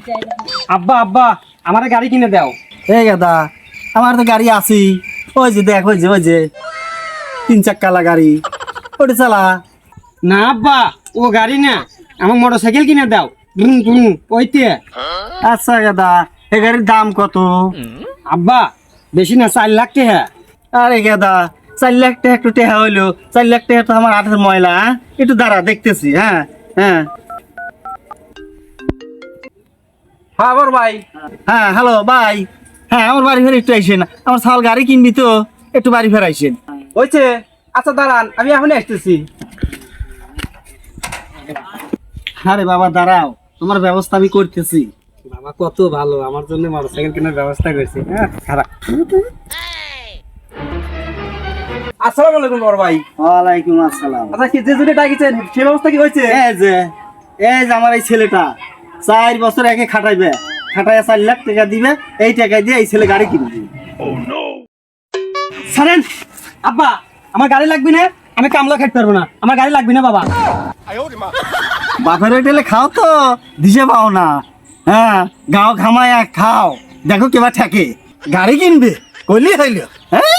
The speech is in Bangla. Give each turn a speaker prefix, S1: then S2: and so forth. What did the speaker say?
S1: আব্বা আব্বা আমার গাড়ি কিনে দাও।
S2: এই গাদা, আমার তো গাড়ি আছেই। ওই যে দেখ, ওই যে 3 চাক্কালা গাড়ি, ওটা চালা।
S1: না আব্বা, ও গাড়ি না, আমার মোটরসাইকেল কিনে দাও। ওইতে।
S2: আচ্ছা গাদা, এই গাড়ির দাম কত?
S1: আব্বা বেশি না, 4 লাখ টাকা।
S2: আরে গাদা, 4 লাখ টাকা একটু টেহা হইলো? 4 লাখ টাকা তো আমার হাতের ময়লা। একটু দাঁড়া, দেখতেছি। হ্যাঁ হ্যাঁ
S1: হ্যাঁ বড় ভাই।
S2: হ্যাঁ, হ্যালো ভাই। হ্যাঁ, আমার বাড়ি ফের একটু আইসেন। আমার ছাল গাড়ি কিনবি তো, একটু বাড়ি ফের আইসেন।
S1: হয়েছে, আচ্ছা দাঁড়ান, আমি এখনই আসতেছি।
S2: আরে বাবা দাঁড়াও, তোমার ব্যবস্থা আমি করতেছি।
S1: বাবা কত ভালো, আমার জন্য মোটরসাইকেল কেনার ব্যবস্থা করেছে। হ্যাঁ খারাপ। আসসালামু আলাইকুম বড় ভাই।
S2: ওয়ালাইকুম আসসালাম।
S1: আচ্ছা কি যে জুড়ে ডাকিছেন সে ব্যবস্থা কি হয়েছে?
S2: এই যে আমার এই ছেলেটা 4 বছর একে খাটাইবে, খাটাইয়া 4 লাখ টাকা দিবে। এই টাকা দিয়ে এই ছেলে গাড়ি কিনবে।
S1: ছাড়েন আব্বা, আমার গাড়ি লাগবে না, আমি কামলা খাইতে পারবো না, আমার গাড়ি লাগবে না বাবা।
S2: বাপের হোটেলে খাও তো দিশে পাও না। হ্যাঁ, গাও ঘামায়া খাও, দেখো কেবা ঠেকে। গাড়ি কিনবে কইলি হইল। হ্যাঁ,